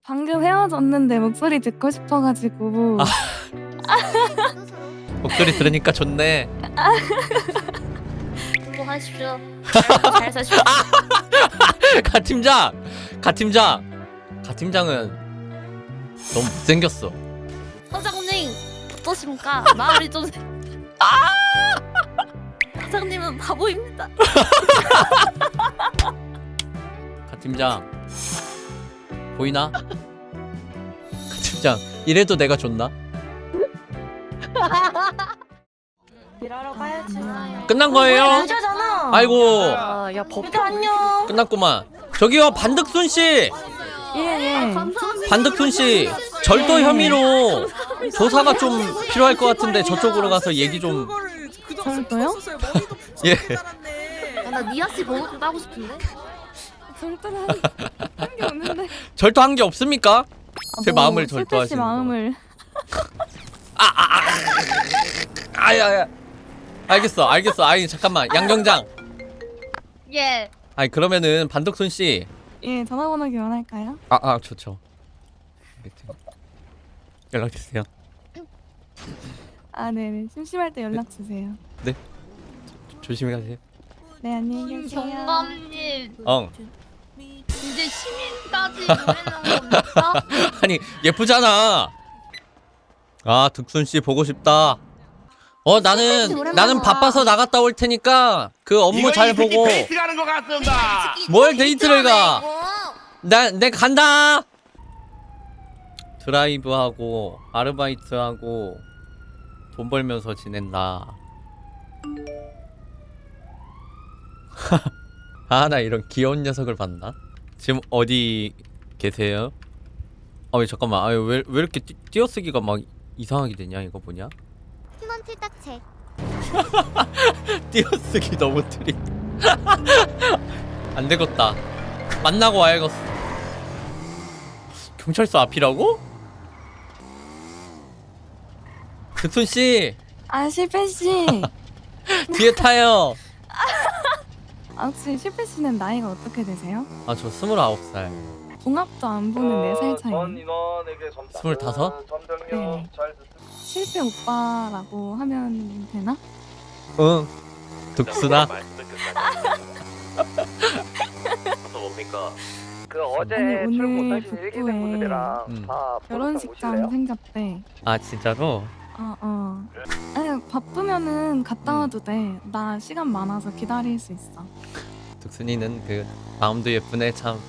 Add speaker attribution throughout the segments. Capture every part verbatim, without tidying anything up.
Speaker 1: 방금 헤어졌는데 목소리 듣고 싶어가지고.
Speaker 2: 아. 목소리 들으니까 좋네.
Speaker 3: 공부하십시오. 잘 사십시오.
Speaker 2: 가 팀장, 가 팀장, 가 팀장은 너무 못생겼어.
Speaker 3: 사장님 어떠십니까? 마음이 좀. 사장님은 바보입니다.
Speaker 2: 가 팀장 보이나? 가 팀장 이래도 내가 좋나?
Speaker 4: 일하러 가야지.
Speaker 2: 끝난 거예요?
Speaker 4: 남자잖아.
Speaker 2: 아이고
Speaker 4: 아, 야 법도 안녕.
Speaker 2: 끝났구만. 저기요 반득순 씨,
Speaker 1: 예예.
Speaker 2: 반득순 씨 절도 혐의로 조사가 좀 필요할 것 같은데 저쪽으로 가서 얘기 좀.
Speaker 1: 절도요?
Speaker 2: 예.
Speaker 3: 야, 나 니아 씨 번호 좀 따고 싶은데.
Speaker 1: 절도를 한 게 없는데.
Speaker 2: 절도한 게 없습니까?
Speaker 1: 아,
Speaker 2: 제
Speaker 1: 뭐,
Speaker 2: 마음을
Speaker 1: 슬피 씨
Speaker 2: 절도하시는 거.
Speaker 1: 마음을.
Speaker 2: 아야야. 알겠어, 알겠어. 아니 잠깐만, 양경장.
Speaker 3: 예.
Speaker 2: 아니 그러면은 반득순 씨.
Speaker 1: 예, 전화번호 교환할까요?
Speaker 2: 아, 아 좋죠. 연락 주세요.
Speaker 1: 아, 네네. 심심할 때 연락 주세요.
Speaker 2: 네. 조심히 가세요.
Speaker 1: 네, 안녕히 계세요.
Speaker 3: 경감님
Speaker 2: 어.
Speaker 3: 이제 시민까지 보내는 겁니까?
Speaker 2: 아니 예쁘잖아. 아 득순 씨 보고 싶다. 어 나는 나는 바빠서 나갔다 올 테니까 그 업무 잘 보고.
Speaker 5: 데이트 가는 것 같습니다.
Speaker 2: 뭘 데이트를 가? 나, 내 간다. 드라이브하고 아르바이트하고 돈 벌면서 지낸다. 아 나 이런 귀여운 녀석을 봤나? 지금 어디 계세요? 아왜 잠깐만. 아왜 왜, 왜 이렇게 띄, 띄어쓰기가 막 이상하게 되냐 이거 뭐냐?
Speaker 3: 팀원 틀딱체.
Speaker 2: 띄어쓰기 너무 트림. 안 되겠다. 만나고 와야겠어. 경찰서 앞이라고? 득순 씨
Speaker 1: 아, 실패 씨.
Speaker 2: 뒤에 타요.
Speaker 1: 아, 혹시 실패 씨는 나이가 어떻게 되세요?
Speaker 2: 아 저 스물아홉 살.
Speaker 1: 종합도 안 보는 네 살 차이.
Speaker 2: 스물다섯?
Speaker 1: 네. 실패 오빠라고 하면 되나?
Speaker 2: 응. 득순아.
Speaker 5: 뭡니까? 그
Speaker 1: 아니,
Speaker 5: 어제
Speaker 1: 오늘
Speaker 5: 출근 못하신
Speaker 1: 북부에
Speaker 5: 일기생분들이랑
Speaker 2: 음.
Speaker 5: 다
Speaker 1: 결혼식장 생겼대.
Speaker 2: 아 진짜로?
Speaker 1: 어, 어. 아니, 바쁘면은 갔다 와도 돼. 나 시간 많아서 기다릴 수 있어.
Speaker 2: 득순이는 그 마음도 예쁘네 참.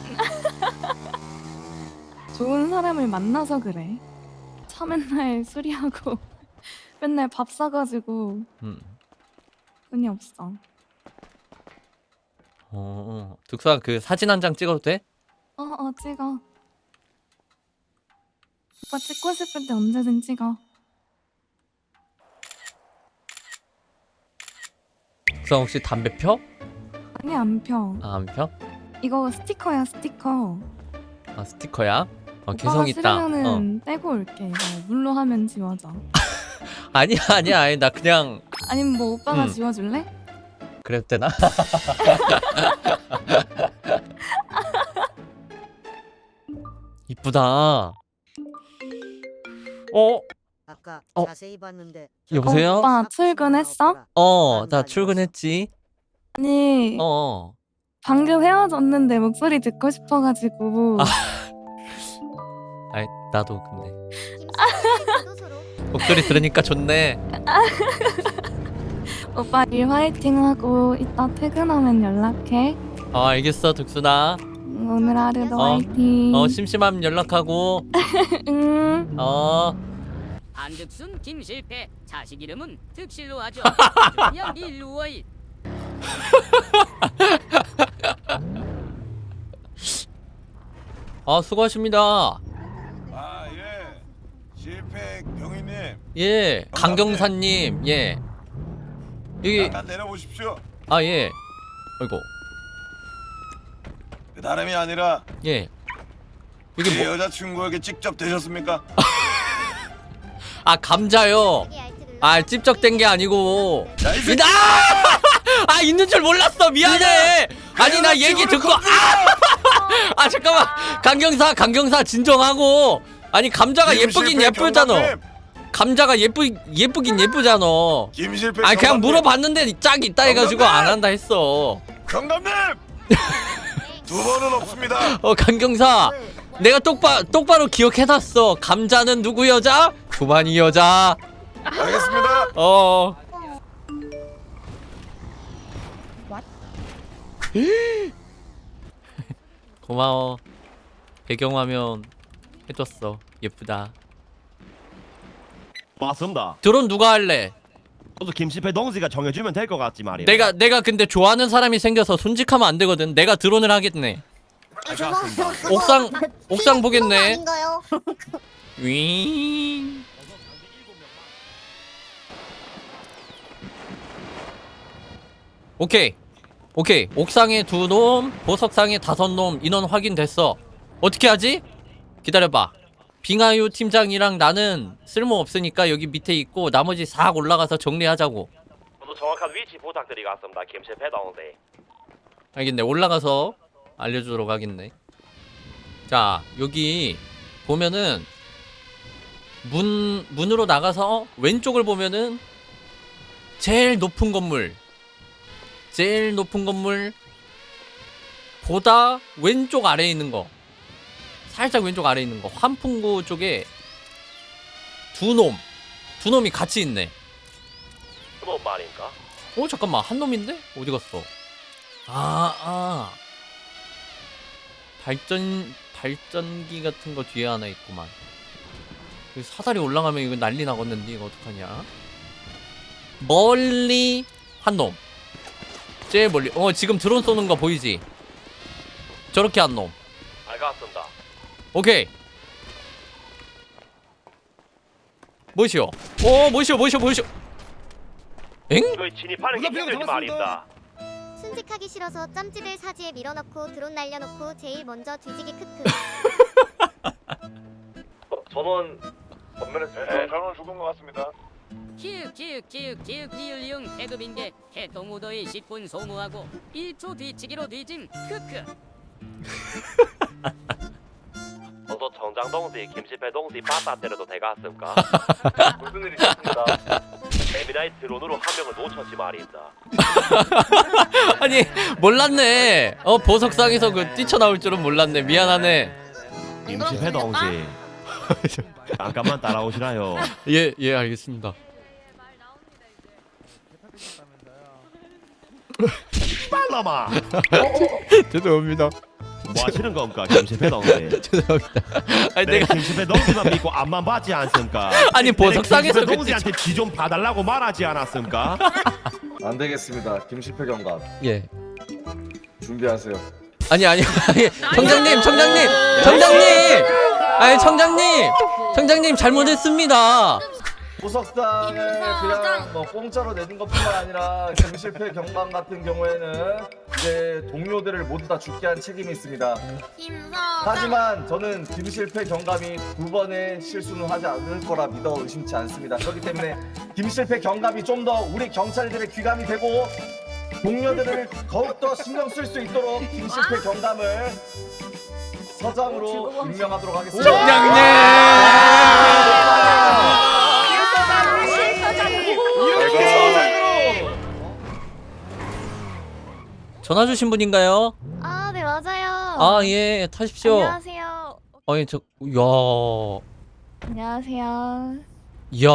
Speaker 1: 좋은 사람을 만나서 그래. 차 맨날 수리하고 맨날 밥 사가지고
Speaker 2: 음.
Speaker 1: 돈이 없어.
Speaker 2: 어. 득순아 그 사진 한 장 찍어도 돼?
Speaker 1: 어, 어, 찍어. 오빠 찍고 싶을 때 언제든 찍어.
Speaker 2: 득순아 혹시 담배 펴?
Speaker 1: 아니, 안 펴.
Speaker 2: 아 안 펴?
Speaker 1: 이거 스티커야, 스티커.
Speaker 2: 아 스티커야? 어
Speaker 1: 오빠가
Speaker 2: 개성 있다. 어.
Speaker 1: 싫으면은 떼고 올게. 이거 물로 하면 지워져.
Speaker 2: 아니야 아니야 아니 나 그냥
Speaker 1: 아니면 뭐 오빠가
Speaker 2: 음.
Speaker 1: 지워줄래?
Speaker 2: 그래도 되나? 이쁘다. 어?
Speaker 6: 아까
Speaker 2: 어?
Speaker 6: 자세히 봤는데
Speaker 2: 여보세요?
Speaker 1: 오빠 출근했어?
Speaker 2: 어, 나 출근했지.
Speaker 1: 아니,
Speaker 2: 어.
Speaker 1: 방금 헤어졌는데 목소리 듣고 싶어가지고.
Speaker 2: 아. 아이, 나도 근데 목소리 들으니까 좋네.
Speaker 1: 오빠 일 화이팅하고 이따 퇴근하면 연락해.
Speaker 2: 어, 알겠어, 득순아.
Speaker 1: 응, 오늘 하루도
Speaker 2: 어.
Speaker 1: 화이팅.
Speaker 2: 어, 심심하면 연락하고.
Speaker 1: 응.
Speaker 2: 어.
Speaker 7: 안득순 김실패 자식 이름은 득실로 하죠. 그냥 일루어이.
Speaker 2: 아, 수고하십니다.
Speaker 5: 아 예. 실패 경위님
Speaker 2: 예, 강경사님, 예. 여기,
Speaker 5: 잠깐 내려보십시오.
Speaker 2: 아, 예. 아이고,
Speaker 5: 그 다름이 아니라
Speaker 2: 예. 여기
Speaker 5: 제
Speaker 2: 뭐,
Speaker 5: 여자친구에게 직접 되셨습니까?
Speaker 2: 아, 감자요. 아, 찝적된 게 아니고.
Speaker 5: 야, 이 새끼!
Speaker 2: 나! 아, 있는 줄 몰랐어. 미안해. 아니, 나 얘기 듣고, 아! 아 잠깐만 강경사 강경사 진정하고 아니 감자가 예쁘긴
Speaker 5: 김실패
Speaker 2: 예쁘잖아.
Speaker 5: 경감님,
Speaker 2: 감자가 예쁘 예쁘긴 예쁘잖아.
Speaker 5: 김실패
Speaker 2: 아니 그냥
Speaker 5: 경감님,
Speaker 2: 물어봤는데 짝이 있다 해가지고 안 한다 했어.
Speaker 5: 경감님 두 번은 없습니다.
Speaker 2: 어 강경사 내가 똑바 똑바로 기억해놨어. 감자는 누구 여자? 구만이 여자.
Speaker 5: 알겠습니다.
Speaker 2: 어. 고마워. 배경화면 해줬어. 예쁘다.
Speaker 6: 맞습니다.
Speaker 2: 드론 누가 할래?
Speaker 6: 저도 김실패 동지가 정해주면 될 것 같지 말이야.
Speaker 2: 내가 내가 근데 좋아하는 사람이 생겨서 손직하면 안 되거든. 내가 드론을 하겠네.
Speaker 6: 알겠습니다.
Speaker 2: 옥상 옥상 보겠네.
Speaker 3: 아닌가요?
Speaker 2: 윙. 오케이 오케이 옥상에 두 놈, 보석상에 다섯 놈 인원 확인됐어. 어떻게 하지? 기다려봐. 빙하유 팀장이랑 나는 쓸모 없으니까 여기 밑에 있고 나머지 싹 올라가서 정리하자고.
Speaker 6: 저도 정확한 위치 부탁드리겠습니다. 김실패 동지.
Speaker 2: 알겠네. 올라가서 알려주도록 하겠네. 자 여기 보면은 문 문으로 나가서 왼쪽을 보면은 제일 높은 건물 제일 높은 건물 보다 왼쪽 아래에 있는 거 살짝 왼쪽 아래에 있는 거 환풍구 쪽에 두 놈 두 놈이 같이 있네.
Speaker 6: 그놈 말인가?
Speaker 2: 어 잠깐만 한 놈인데 어디 갔어? 아 아. 발전 발전기 같은 거 뒤에 하나 있구만. 여기 사다리 올라가면 이거 난리 나겠는데 이거 어떡하냐? 멀리 한 놈. 제일 멀리. 어 지금 드론 쏘는 거 보이지? 저렇게 한 놈.
Speaker 6: 알겠습니다.
Speaker 2: 오케이. 뭐시오? 오 뭐시오 뭐시오 뭐시오? 엥?
Speaker 6: 저희 진입하는 게 힘들지 말입니다.
Speaker 3: 순직하기 싫어서 짬찌들 사지에 밀어넣고 드론 날려놓고 제일 먼저 뒤지기 크크.
Speaker 6: 저는
Speaker 5: 네, 저는 죽은 것 같습니다.
Speaker 7: 키읔 키읔 키읔 키읔 니을리응 태급인게 해동무더위 십 분 소모하고 일 초 뒤치기로 뒤짐 크크.
Speaker 6: 저도 정장 동지 김실패 동지 빠따 때려도 되겠습니까? 무슨 일이 있습니다. 에미나이 드론으로 한 명을 놓쳤지 말입니다.
Speaker 2: 아니 몰랐네. 어 보석상에서 그 뛰쳐나올 줄은 몰랐네. 미안하네.
Speaker 6: 김실패 동지 잠깐만 따라오시라요.
Speaker 2: 예, 예, 알겠습니다.
Speaker 6: 빨라마.
Speaker 2: 죄송합니다.
Speaker 6: 뭐 하시는 겁니까 김실패 동지?
Speaker 2: 죄송합니다. 아니
Speaker 6: 내가
Speaker 2: 내가
Speaker 6: 김실패 동지만 믿고 앞만 봤지 않습니까?
Speaker 2: 아니, 보석상에서
Speaker 6: 김실패
Speaker 2: 그
Speaker 6: 동지한테 지 좀 봐달라고 말하지 않았습니까?
Speaker 8: 안 되겠습니다. 김실패 경감
Speaker 2: 예.
Speaker 8: 준비하세요.
Speaker 2: 아니 아니 아니 청장님 청장님 청장님 아니 청장님 청장님 잘못했습니다.
Speaker 8: 보석상을 그냥 뭐 공짜로 내준 것뿐만 아니라 김실패 경감 같은 경우에는 이제 동료들을 모두 다 죽게 한 책임이 있습니다. 하지만 저는 김실패 경감이 두 번의 실수는 하지 않을 거라 믿어 의심치 않습니다. 그렇기 때문에 김실패 경감이 좀 더 우리 경찰들의 귀감이 되고 동료들을 더욱더 신경 쓸 수 있도록 김실패 경감을 서장으로 임명하도록 하겠습니다.
Speaker 2: 청장님. 전화 주신 분인가요?
Speaker 1: 아, 네, 맞아요.
Speaker 2: 아, 예, 타십시오.
Speaker 1: 안녕하세요.
Speaker 2: 아니, 저, 야,
Speaker 1: 안녕하세요.
Speaker 2: 야.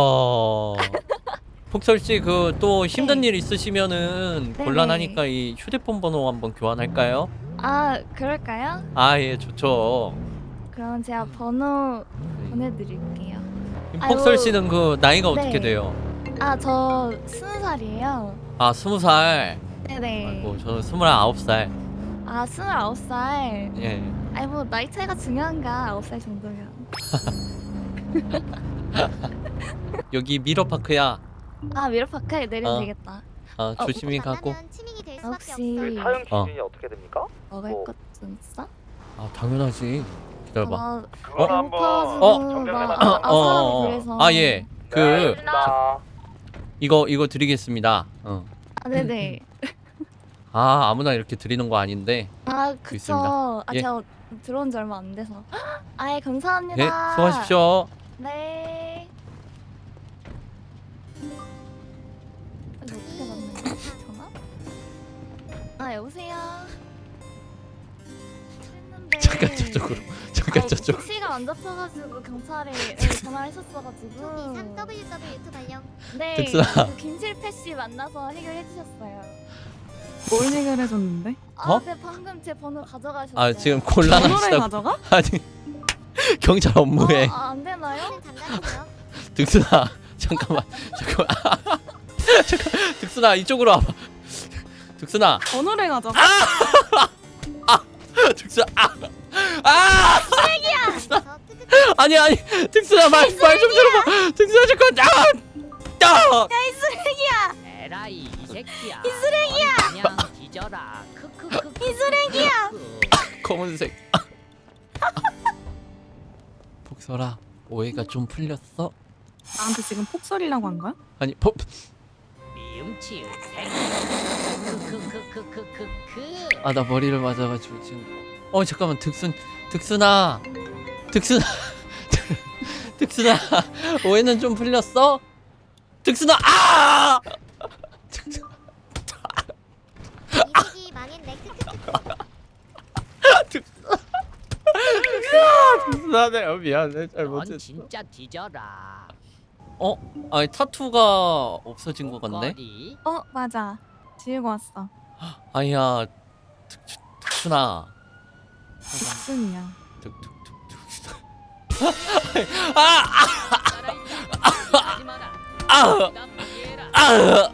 Speaker 2: 폭설 씨, 그, 또 힘든 일 있으시면은
Speaker 1: 네네.
Speaker 2: 곤란하니까 이 휴대폰 번호 한번 교환할까요?
Speaker 1: 아, 그럴까요?
Speaker 2: 아, 예, 좋죠.
Speaker 1: 그럼 제가 번호 보내드릴게요.
Speaker 2: 폭설
Speaker 1: 아이고.
Speaker 2: 씨는 그, 나이가 어떻게
Speaker 1: 네.
Speaker 2: 돼요?
Speaker 1: 아, 저 스무 살이에요.
Speaker 2: 아, 스무 살.
Speaker 1: 네네.
Speaker 2: 아이고, 저는 스물아홉 살.
Speaker 1: 아, 스물아홉 살.
Speaker 2: 예.
Speaker 1: 아니, 뭐, 나이 차이가 중요한가? 아홉 살 정도면.
Speaker 2: 여기 미러파크야.
Speaker 1: 아, 미러파크에 내리면
Speaker 2: 어.
Speaker 1: 되겠다.
Speaker 2: 아,
Speaker 1: 어,
Speaker 2: 조심히
Speaker 3: 이거
Speaker 2: 가고.
Speaker 3: 만나면 치밍이 될 수밖에
Speaker 1: 혹시
Speaker 3: 없어.
Speaker 6: 사용
Speaker 2: 어.
Speaker 6: 기준이 어. 떻게 됩니까?
Speaker 1: 먹을
Speaker 6: 뭐.
Speaker 1: 것 좀 있어?
Speaker 2: 아, 당연하지. 기다려봐.
Speaker 1: 어,
Speaker 5: 그건 한번
Speaker 2: 어?
Speaker 5: 정리해
Speaker 1: 막,
Speaker 5: 놨다.
Speaker 1: 아,
Speaker 2: 어,
Speaker 1: 아,
Speaker 2: 어,
Speaker 1: 사람이
Speaker 2: 어.
Speaker 1: 그래서.
Speaker 2: 아, 예. 그,
Speaker 6: 나
Speaker 2: 이거, 이거 드리겠습니다. 어.
Speaker 1: 아, 네네.
Speaker 2: 아, 아무나 이렇게 드리는 거 아닌데.
Speaker 1: 아, 그쵸.
Speaker 2: 있습니다.
Speaker 1: 아,
Speaker 2: 예.
Speaker 1: 제가 들어온 지 얼마 안 돼서. 아예 감사합니다.
Speaker 2: 네, 수고하십시오.
Speaker 1: 네. 이거 어떻게 받는 거지? 전화? 아 여보세요. 했는데
Speaker 2: 잠깐 저쪽으로. 잠깐
Speaker 1: 아니,
Speaker 2: 저쪽.
Speaker 1: 택시가 안 잡혀가지고 경찰에 네, 전화를 했었어가지고.
Speaker 3: 이상 더블유 더블유 투 발령.
Speaker 1: 네.
Speaker 2: 득수야.
Speaker 1: 그 김실패 씨 만나서 해결해 주셨어요.
Speaker 9: 뭘 해결해줬는데?
Speaker 1: 아,
Speaker 2: 어?
Speaker 1: 네 방금 제 번호 가져가셨어요.
Speaker 2: 아 지금
Speaker 9: 번호를
Speaker 2: 곤란하시다고.
Speaker 9: 가져가?
Speaker 2: 아니 경찰 업무에.
Speaker 1: 어, 아, 안 되나요?
Speaker 3: 는 장난이고요.
Speaker 2: 득순아 잠깐만 잠깐만. 잠깐 득순아 이쪽으로 와봐. 득순아.
Speaker 9: 번호를 가져가?
Speaker 2: 득순아. 아. 아.
Speaker 3: 그래서 크크크
Speaker 2: 아니 아니 득순아 말 말 좀 들어봐. 득순아 잠깐. 아. 아.
Speaker 7: 에라이 이 새끼야. 이 쓰레기야. 그냥 뒤져라. 크크크. 이 쓰레기야.
Speaker 2: 검은색. 복설아 오해가 좀 풀렸어?
Speaker 9: 나한테 지금 폭설이라고 한 거야?
Speaker 2: 아니 법.
Speaker 7: 미음치 새끼. 크크크크크크크.
Speaker 2: 아 나 머리를 맞아가지고 지금. 어 잠깐만 득순 득순아 득순아 득순아 오해는 좀 풀렸어? 득순아 아! 득순아
Speaker 3: 이직이 망했네. 크크크.
Speaker 2: 득순아 내가 미안해
Speaker 7: 넌
Speaker 2: 잘못했어.
Speaker 7: 진짜 뒤져라.
Speaker 2: 어? 아니 타투가 없어진 것 같네?
Speaker 7: 거리.
Speaker 9: 어 맞아. 지우고 왔어.
Speaker 2: 아니야 득, 득순아
Speaker 9: 득순이야.
Speaker 2: 득득득 아!
Speaker 7: 하지 마라.
Speaker 2: 아!
Speaker 7: 난 이해해라.
Speaker 2: 아!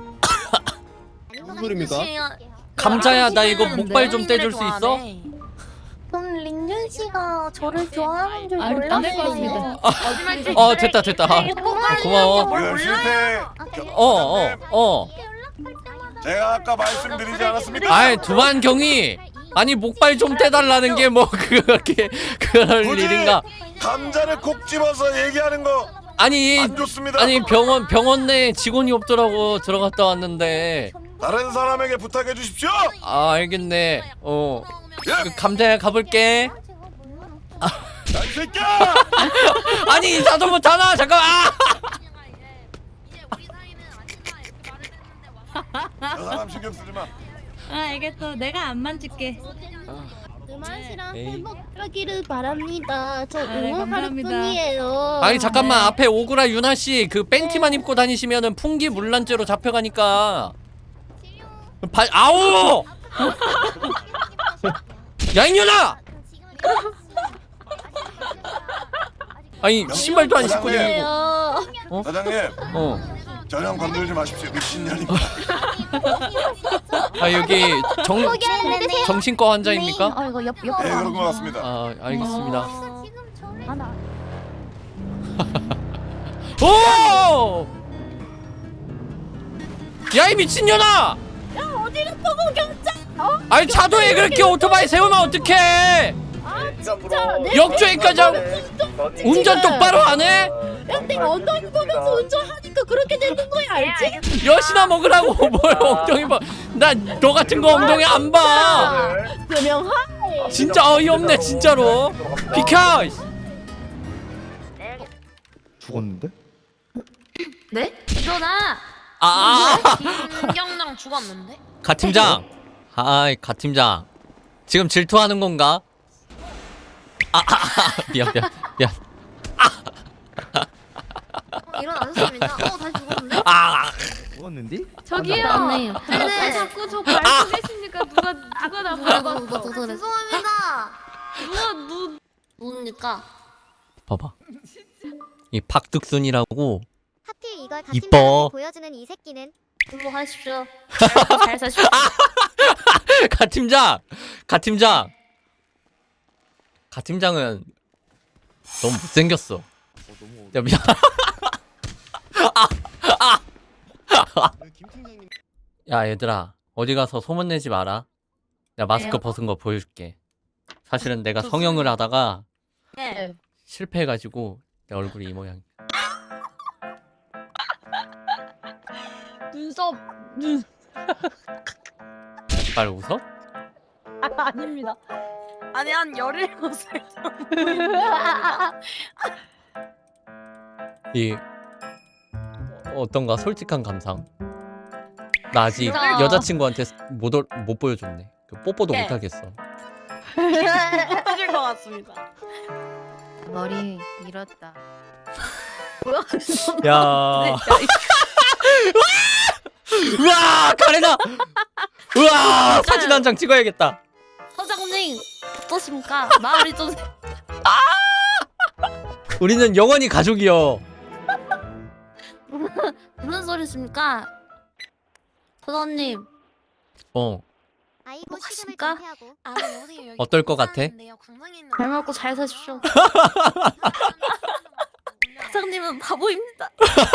Speaker 3: 무슨
Speaker 8: 소리입니까?
Speaker 2: 감자야 나 이거 목발 좀 떼줄 수 있어?
Speaker 4: 그럼 린준 씨가 저를 좋아하는 줄
Speaker 7: 아,
Speaker 4: 몰랐어요.
Speaker 7: 안될것 같습니다.
Speaker 2: 어 됐다 됐다. 아, 고마워.
Speaker 5: 그 실패.
Speaker 2: 어어 어, 어.
Speaker 5: 제가 아까 말씀드리지 않았습니까?
Speaker 2: 아이 두만경이 아니 목발 좀 떼달라는 게 뭐 그렇게 그럴
Speaker 5: 굳이
Speaker 2: 일인가?
Speaker 5: 감자를 콕 집어서 얘기하는 거 안
Speaker 2: 아니
Speaker 5: 좋습니다.
Speaker 2: 아니 병원 병원 내에 직원이 없더라고 들어갔다 왔는데.
Speaker 5: 다른 사람에게 부탁해 주십시오.
Speaker 2: 아 알겠네. 어
Speaker 5: 예.
Speaker 2: 그 감자야 가볼게.
Speaker 5: 야, 이 새끼야!
Speaker 2: 아니 인사도 못하나 잠깐. 아!
Speaker 5: 저 사람 신경 쓰지 마.
Speaker 4: 아 알겠어. 내가 안 만질게.
Speaker 10: 드만씨랑
Speaker 2: 에이.
Speaker 10: 행복하기를 바랍니다. 저
Speaker 4: 네,
Speaker 10: 응원할
Speaker 4: 감사합니다.
Speaker 10: 뿐이에요.
Speaker 2: 아니 잠깐만 앞에 오구라 유나 씨 그 팬티만 입고 다니시면은 풍기 물란죄로 잡혀가니까. 발 아우! 야 이년아! 아니 신발도 안 신고 다니고.
Speaker 10: 요
Speaker 5: 사장님,
Speaker 2: 어.
Speaker 5: 전혀 건들지 마십시오. 미친년입니다.
Speaker 2: 아 여기 정 정신과 환자입니까?
Speaker 1: 어 이거 옆 옆.
Speaker 5: 네, 그런 것 같습니다.
Speaker 2: 아 알겠습니다.
Speaker 3: 지금 저를
Speaker 1: 하나.
Speaker 2: 오! 야 이 미친년아!
Speaker 10: 야 어디를 보고 경찰? 어?
Speaker 2: 아니 차도에 그렇게 오토바이 세우면 어떡해?
Speaker 8: 진짜
Speaker 2: 역주행까지 하고 운전 똑바로 안 해?
Speaker 10: 야 내가 엉덩이 보면서 운전하니까 그렇게 되는 거야 알지?
Speaker 2: 여시나 먹으라고 뭘 엉덩이 봐. 나 너 같은 거 엉덩이 안 봐.
Speaker 10: 그명하
Speaker 2: 진짜 어이없네 진짜로. 비켜.
Speaker 8: 죽었는데?
Speaker 10: 네? 일어나.
Speaker 2: 아.
Speaker 10: 김경랑 죽었는데?
Speaker 2: 가 팀장. 아이 가 팀장. 지금 질투하는 건가? 아, 아, 아 미안 미안 미안.
Speaker 10: 일어나셨습니다. 어 다시 죽었는데?
Speaker 2: 아.
Speaker 8: 죽었는데?
Speaker 10: 저기요.
Speaker 4: 맞네요.
Speaker 10: 네.
Speaker 4: 자꾸 저 밟고 계시니까 누가 누가 나 밟았어.
Speaker 10: 죄송합니다.
Speaker 4: 누가 누
Speaker 10: 뭡니까?
Speaker 2: 봐봐. 이 박득순이라고
Speaker 3: 하필 이걸
Speaker 2: 이뻐.
Speaker 3: 같은 보여주는 이 새끼는
Speaker 10: 행복하십시오. 잘 사십시오.
Speaker 2: 가 팀장. 가 팀장. 가 팀장은 너무 못생겼어. 야 미안. 야 얘들아 어디 가서 소문내지 마라. 내가 마스크
Speaker 4: 왜요?
Speaker 2: 벗은 거 보여줄게. 사실은 내가 성형을 하다가
Speaker 10: 네.
Speaker 2: 실패해가지고 내 얼굴이 이 모양.
Speaker 10: 눈썹 눈
Speaker 2: 말 웃어?
Speaker 10: 아, 아닙니다.
Speaker 1: 아니 한 열일곱 살
Speaker 2: 이 어떤가 솔직한 감상. 나 아직
Speaker 4: 진짜.
Speaker 2: 여자친구한테 못, 올- 못 보여줬네. 그 뽀뽀도
Speaker 1: 네.
Speaker 2: 못 하겠어.
Speaker 1: 하실 것 같습니다.
Speaker 10: 머리 밀었다.
Speaker 2: 야. 우와 카레나. 우와 사진 한 장 찍어야겠다.
Speaker 4: 서장님 어떠십니까? 마을이 좀
Speaker 2: 우리는 영원히 가족이요.
Speaker 4: 무슨 소리십니까? 서장님
Speaker 2: 어
Speaker 3: 아이고 시름을
Speaker 4: 그러니까?
Speaker 3: 좀 피하고.
Speaker 2: 어떨 것 같아?
Speaker 4: 잘 먹고 잘 사십시오. 사장님은 바보입니다.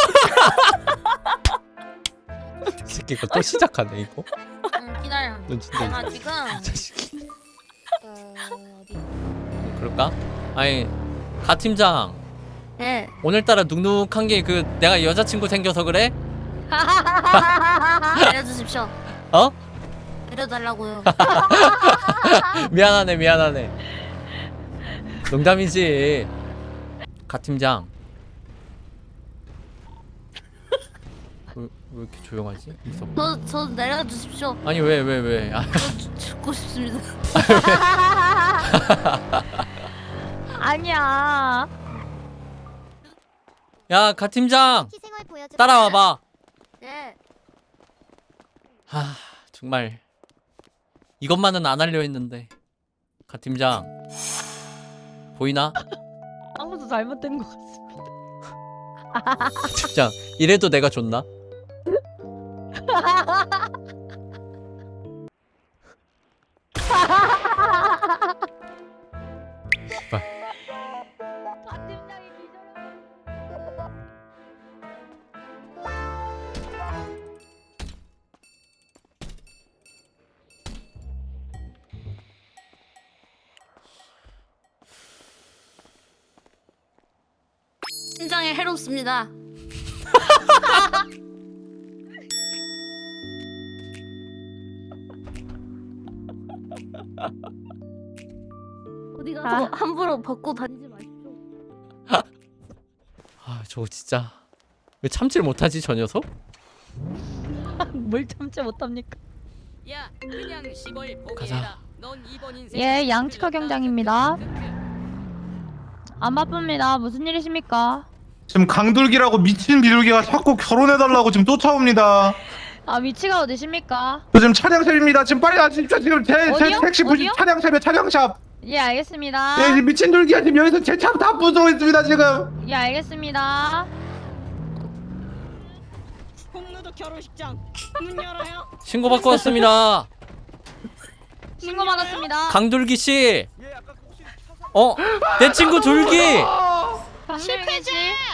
Speaker 2: 이 새끼 이거 또 시작하네 이거.
Speaker 4: 응, 기다려.
Speaker 2: 너 진짜
Speaker 4: 내가 지금
Speaker 2: 자식이.
Speaker 4: 어, 어디?
Speaker 2: 그럴까? 아니 가 팀장
Speaker 4: 네.
Speaker 2: 오늘따라 눅눅한 게 그 내가 여자친구 생겨서 그래?
Speaker 4: 알려주십시오.
Speaker 2: 어?
Speaker 4: 알려달라고요.
Speaker 2: 미안하네 미안하네. 농담이지. 가 팀장. 왜, 왜 이렇게 조용하지? 무섭다.
Speaker 4: 저, 저 내려주십시오.
Speaker 2: 아니 왜 왜 왜? 아,
Speaker 4: 저 죽- 죽고 싶습니다.
Speaker 10: 아니야.
Speaker 2: 야, 가 팀장
Speaker 3: 희생을 보여주고.
Speaker 2: 따라와봐.
Speaker 4: 네.
Speaker 2: 하, 정말 이것만은 안 하려 했는데. 가 팀장 보이나?
Speaker 10: 아무도 잘못된 것 같습니다.
Speaker 2: 팀장 이래도 내가 좋나? 씨발.
Speaker 10: 아, 팀장이 기절해.
Speaker 4: 심장에 해롭습니다. 어디 가서
Speaker 10: 아.
Speaker 4: 함부로 벗고 다니지 마십시오.
Speaker 2: 아 저거 진짜 왜 참질 못하지 저 녀석?
Speaker 10: 뭘 참지 못합니까?
Speaker 7: 야 그냥 시골
Speaker 2: 가자.
Speaker 7: 포기해라. 넌 이번 인생
Speaker 10: 예, 양치커 경장입니다. 안 바쁩니다. 무슨 일이십니까?
Speaker 11: 지금 강둘기라고 미친 비둘기가 자꾸 결혼해달라고 지금 쫓아옵니다.
Speaker 10: 아, 위치가 어디십니까?
Speaker 11: 저 지금 차량샵입니다. 지금 빨리 와주십시오. 지금 제, 제
Speaker 10: 어디요?
Speaker 11: 택시 부시
Speaker 10: 어디요?
Speaker 11: 차량샵이에요. 차량샵.
Speaker 10: 예, 알겠습니다.
Speaker 11: 예, 지금 미친 둘기가 지금 여기서 제 차 다 부수고 있습니다. 지금.
Speaker 10: 예, 알겠습니다.
Speaker 1: 홍루도 결혼식장 문 열어요.
Speaker 2: 신고 받고 왔습니다.
Speaker 10: 신고 받았습니다.
Speaker 2: 강둘기 씨. 어? 내 친구 둘기.
Speaker 10: 실패지?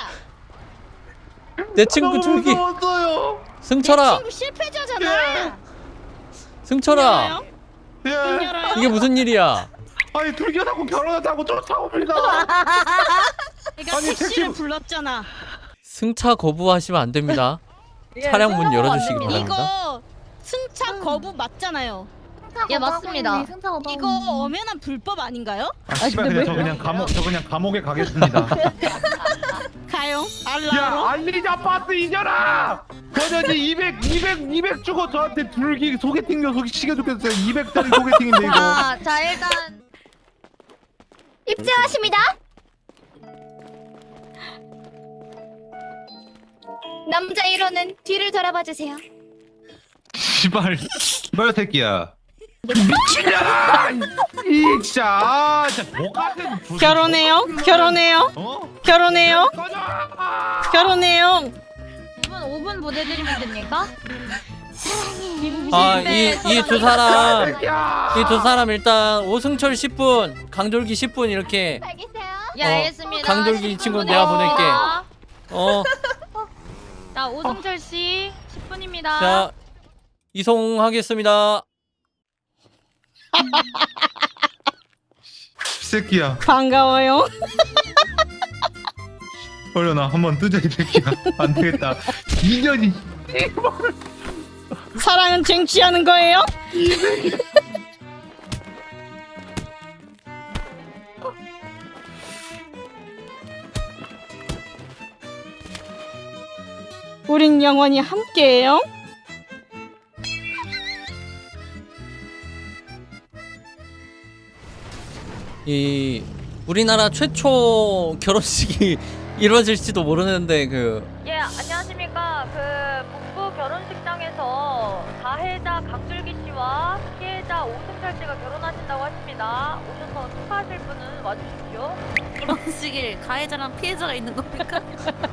Speaker 2: 내 친구
Speaker 11: 너무
Speaker 2: 둘기.
Speaker 11: 무서웠어요.
Speaker 2: 승철아.
Speaker 1: 실패자잖아.
Speaker 2: 승철아.
Speaker 11: 예.
Speaker 1: 열어요.
Speaker 2: 이게 무슨 일이야?
Speaker 11: 아니 둘기가 자꾸 결혼한다고 쫓아옵니다.
Speaker 1: 내가
Speaker 11: 아니,
Speaker 1: 택시를
Speaker 11: 택시-
Speaker 1: 불렀잖아.
Speaker 2: 승차 거부하시면 안 됩니다. 차량 문 열어주시기 바랍니다.
Speaker 1: 이거 승차 거부 맞잖아요.
Speaker 10: 예, 맞습니다.
Speaker 1: 이거 엄연한 불법 아닌가요?
Speaker 11: 아, 씨발 그냥 저 그냥 감옥 저 그냥 감옥에 가겠습니다.
Speaker 1: 가요.
Speaker 11: 야,
Speaker 1: 알라로.
Speaker 11: 알리자 파스 잊어라! 저는 이백, 이백, 이백 주고 저한테 둘기 소개팅료 소개 시켜줬겠어요. 이백짜리 소개팅인데 이거.
Speaker 10: 자, 자, 일단
Speaker 3: 입장하십니다. 남자 일 호는 뒤를 돌아봐 주세요.
Speaker 11: 씨발, 씨발 새끼야. 미친년아! 이 진짜, 아, 진짜 뭐 같은 불-
Speaker 1: 결혼해요. 결혼해요.
Speaker 11: 어?
Speaker 1: 결혼해요.
Speaker 11: 꺼져!
Speaker 1: 결혼해요.
Speaker 10: 이분 오 분 보내드리면 됩니까?
Speaker 2: 아, 이 이 두 사람
Speaker 11: 새끼야!
Speaker 2: 이 두 사람 일단 오승철 십 분, 강돌기 십 분 이렇게
Speaker 3: 알겠어요.
Speaker 10: 예,
Speaker 2: 어,
Speaker 10: 알겠습니다.
Speaker 2: 강돌기
Speaker 10: 십
Speaker 2: 친구는
Speaker 10: 분
Speaker 2: 내가 보낼게.
Speaker 10: 보내드립니다.
Speaker 2: 어,
Speaker 10: 자, 오승철 씨 십 분입니다.
Speaker 2: 자 이송하겠습니다.
Speaker 11: 새끼야.
Speaker 1: 반가워요.
Speaker 11: 얼려나 한번 뜨자 이 새끼야. 안 되겠다. 인연이
Speaker 1: 사랑은 쟁취하는 거예요?
Speaker 10: 우린 영원히 함께해요.
Speaker 2: 이 우리나라 최초 결혼식이 이루어질지도 모르는데 그
Speaker 12: 예, 안녕하십니까. 그 북부 결혼식장에서 가해자 강줄기 씨와 피해자 오승철 씨가 결혼하신다고 하십니다. 오셔서 축하하실 분은 와주십시오.
Speaker 10: 결혼식에 가해자랑 피해자가 있는 겁니까?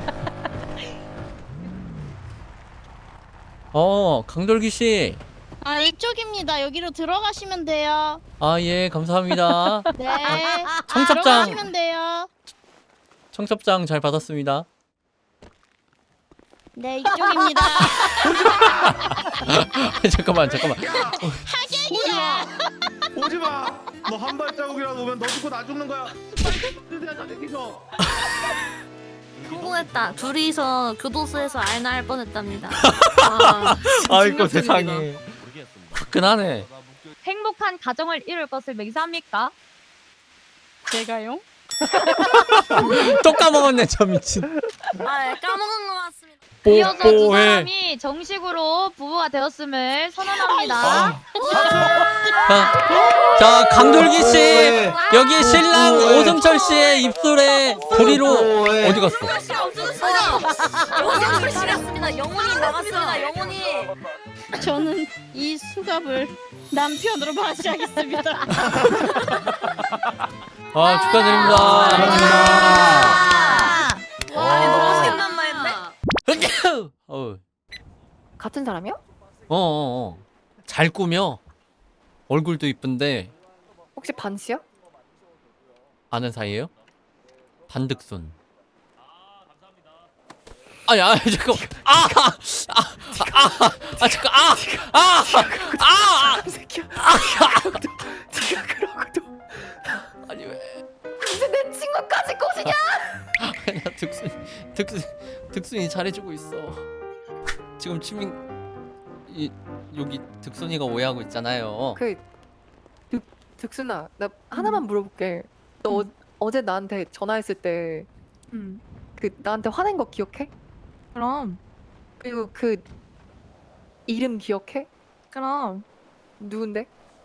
Speaker 2: 어, 강돌기 씨.
Speaker 10: 아, 이쪽입니다. 여기로 들어가시면 돼요.
Speaker 2: 아, 예, 감사합니다.
Speaker 10: 네.
Speaker 2: 청첩장.
Speaker 10: 들어가시면 돼요.
Speaker 2: 청첩장 잘 받았습니다.
Speaker 10: 네, 이쪽입니다.
Speaker 2: 잠깐만, 잠깐만.
Speaker 10: 하객이야.
Speaker 11: 오지마. 너 한 발자국이라도 오면 너 죽고 나 죽는 거야. 저기서.
Speaker 10: 성공했다. 둘이서 교도소에서 알나할 뻔했답니다.
Speaker 2: 아이고 세상에. 화끈하네.
Speaker 12: 행복한 가정을 이룰 것을 맹세합니까?
Speaker 10: 제가요?
Speaker 2: 또 까먹었네, 저 미친.
Speaker 10: 아, 네, 까먹은 것 같습니다.
Speaker 12: 이어서 두
Speaker 2: 뽀뽀해.
Speaker 12: 사람이 정식으로 부부가 되었음을 선언합니다.
Speaker 2: 자, 자, 강돌기 씨, 여기 신랑 오승철 씨의 입술에 도리로 어디 갔어?
Speaker 10: 영혼이 나갔습니다. 영혼이 나갔습니다. 영혼이. 저는 이 수갑을 남편으로 바시하겠습니다.
Speaker 2: 아, 축하드립니다.
Speaker 10: 와, 너무 신난마인데?
Speaker 2: 어,
Speaker 12: 같은 사람이요?
Speaker 2: 어, 어. 잘 꾸며. 얼굴도 이쁜데
Speaker 12: 혹시 반 씨요?
Speaker 2: 아는 사이예요? 반득순. 아니, 아, 잠깐. 아, 아, 아, 아, 아, 잠깐. 아, 아, 아, 아, 새끼야. 아, 네가 그러고도. 아니 왜?
Speaker 12: 이제 내 친구까지 꼬시냐?
Speaker 2: 아니야, 득순, 득순, 득순이 잘해주고 있어. 지금 치민 이 여기 득순이가 오해하고 있잖아요.
Speaker 12: 그 득, 득순아, 나 하나만 물어볼게. 너 어, 어제 나한테 전화했을 때 그
Speaker 9: 음.
Speaker 12: 나한테 화낸 거 기억해?
Speaker 9: 그럼
Speaker 12: 그리고 그 이름 기억해?
Speaker 9: 그럼
Speaker 12: 누군데?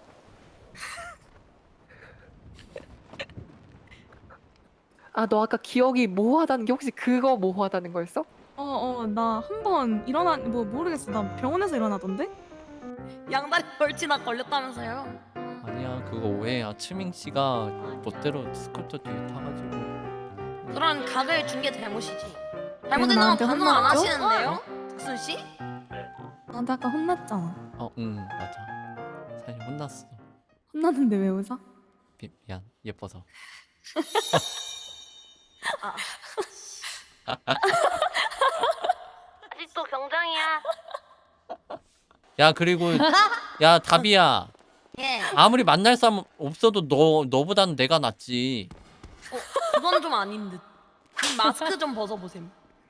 Speaker 12: 아, 너 아까 기억이 모호하다는 게 혹시 그거 모호하다는 거였어?
Speaker 9: 어어 나 한 번 일어나 뭐 모르겠어. 나 병원에서 일어나던데?
Speaker 10: 양다리 벌치나 걸렸다면서요?
Speaker 2: 아니야, 그거 오해야. 치민 씨가 멋대로 스쿠터 뒤에 타가지고.
Speaker 10: 그런 각을 준 게 잘못이지.
Speaker 9: 그래서
Speaker 10: 잘못된 건
Speaker 9: 나한테
Speaker 10: 반성 안
Speaker 9: 혼났죠?
Speaker 10: 하시는데요? 득순 씨?
Speaker 9: 나한테 아까 혼났잖아.
Speaker 2: 어, 응, 맞아. 사실 혼났어.
Speaker 9: 혼났는데 왜 웃어?
Speaker 2: 미, 미안, 예뻐서.
Speaker 10: 아직도 경장이야.
Speaker 2: 야, 그리고 야, 다비야.
Speaker 10: 예.
Speaker 2: 아무리 만날 사람 없어도 너 너보단 내가 낫지.
Speaker 10: 그건 좀 아닌 듯. 이 마스크 좀 벗어보셈.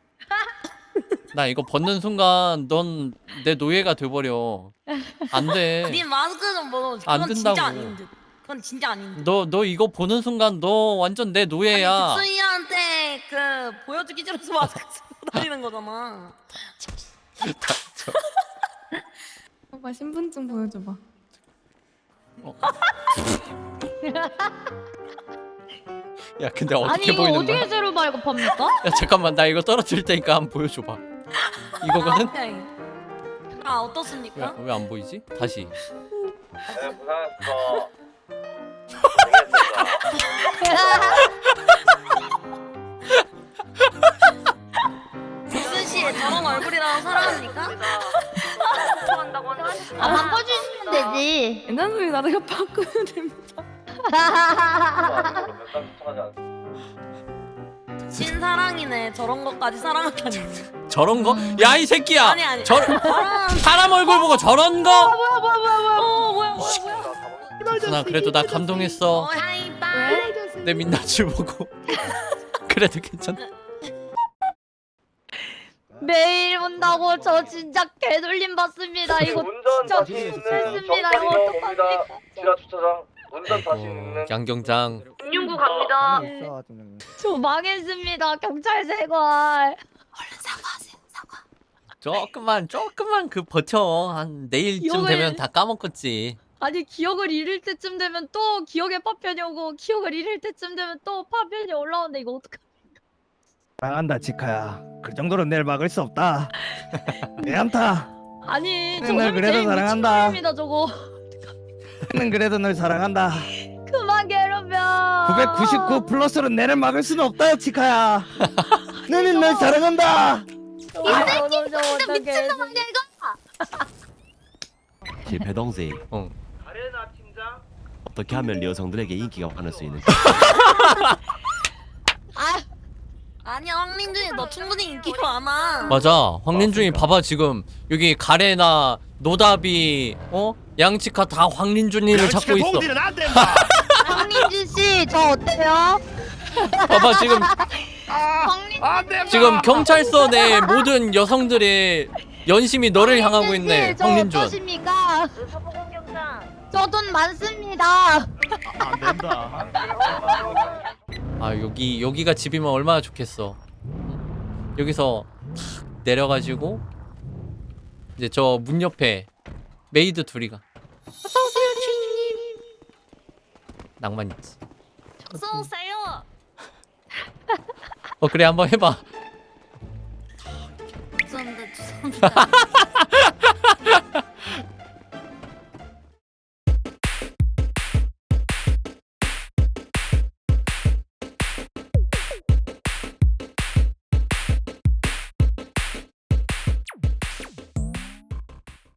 Speaker 2: 나 이거 벗는 순간 넌 내 노예가 돼버려. 안 돼.
Speaker 10: 니 마스크 좀 벗어. 그건
Speaker 2: 안
Speaker 10: 진짜
Speaker 2: 된다고.
Speaker 10: 아닌 듯. 그건 진짜 아닌 듯.
Speaker 2: 너 너 이거 보는 순간 너 완전 내 노예야.
Speaker 10: 득순이한테 그 보여주기 싫어서 마스크 쓰고 다니는 거잖아.
Speaker 9: 오빠 신분증 보여줘봐.
Speaker 2: 어. 야, 근데 어떻게
Speaker 12: 아니 이거
Speaker 2: 보이는
Speaker 12: 어떻게
Speaker 2: 거야?
Speaker 12: 제로 발급합니까?
Speaker 2: 야, 잠깐만, 나 이거 떨어뜨릴 테니까 한번 보여줘봐. 이거거든?
Speaker 10: 아, 어떻습니까?
Speaker 2: 왜 안 보이지? 다시.
Speaker 8: 네, 고생했어.
Speaker 10: 득순 씨 저런 얼굴이라고 사랑합니까?
Speaker 12: 아, 바꿔주시면 되지.
Speaker 9: 옛날 소리 나 내가 바꾸면 됩니다.
Speaker 10: 신사랑이네. 저런 것까지 사랑하다니.
Speaker 2: 저런 거? 야, 이 새끼야!
Speaker 10: 아니 아니.
Speaker 2: 저 사람 얼굴 보고 저런 거?
Speaker 10: 뭐야 뭐야 뭐야 뭐야. 어 뭐야 뭐야 뭐야.
Speaker 2: 득순아, 그래도 나 감동했어.
Speaker 10: 어, 하이파이.
Speaker 2: 내 민낯을 보고. 그래도 괜찮다.
Speaker 12: 매일 온다고 저 진짜 개돌림 받습니다. 이거
Speaker 8: 운전
Speaker 12: 진짜
Speaker 8: 자신 있는
Speaker 12: 스트레스입니다. 이거
Speaker 8: 정상이로 옵니다.
Speaker 12: 어떡합니까?
Speaker 8: 지하 주차장 운전 자신
Speaker 2: 어,
Speaker 8: 있는
Speaker 2: 양경장.
Speaker 12: 육육구 갑니다. 저 망했습니다. 경찰 세관.
Speaker 10: 얼른 사과하세요. 사과.
Speaker 2: 조금만 조금만 그 버텨. 한 내일쯤
Speaker 10: 기억을-
Speaker 2: 되면 다 까먹겠지.
Speaker 10: 아니 기억을 잃을 때쯤 되면 또 기억의 파편이 오고 기억을 잃을 때쯤 되면 또 파편이 올라오는데 이거 어떡하?
Speaker 11: 사랑한다 지카야. 그 정도로 내일 막을 수 없다. 내 안타.
Speaker 10: 아니
Speaker 11: 네,
Speaker 10: 저놈이
Speaker 11: 날 그래도
Speaker 10: 제일
Speaker 11: 사랑한다.
Speaker 10: 미친놈입니다 저거.
Speaker 11: 나는 그래도 널 사랑한다.
Speaker 10: 그만 괴롭혀.
Speaker 11: 구백구십구 플러스로 내를 막을 수는 없다 지카야. 나는 널 사랑한다.
Speaker 10: 아, 너무 좀 어떡해.
Speaker 6: 제 배동생
Speaker 2: 어.
Speaker 8: 가레나 팀장.
Speaker 6: 어떻게 하면 여성들에게 인기가 많을 수 있는지.
Speaker 10: 아 아니야 황민준이 너 충분히 인기 많아.
Speaker 2: 맞아. 황린중이 봐봐 지금 여기 가래나 노답이 어 양치카 다 황린준이를 찾고 있어.
Speaker 6: 안 된다.
Speaker 10: 황민준 씨 저 어때요?
Speaker 2: 봐봐 지금
Speaker 6: 안 된다.
Speaker 2: 지금 경찰서 내 모든 여성들의 연심이 너를 향하고 있네. 황린준.
Speaker 10: 어떠십니까?
Speaker 12: 서보공경장.
Speaker 10: 저 돈 많습니다.
Speaker 6: 안 된다.
Speaker 2: 아 여기 여기가 집이면 얼마나 좋겠어. 여기서 탁 내려가지고 이제 저 문 옆에 메이드 둘이가 어서오세요 주인님. 낭만 있지.
Speaker 10: 어서 오세요.
Speaker 2: 어 그래 한번 해봐.
Speaker 10: 죄송합니다 죄송합니다.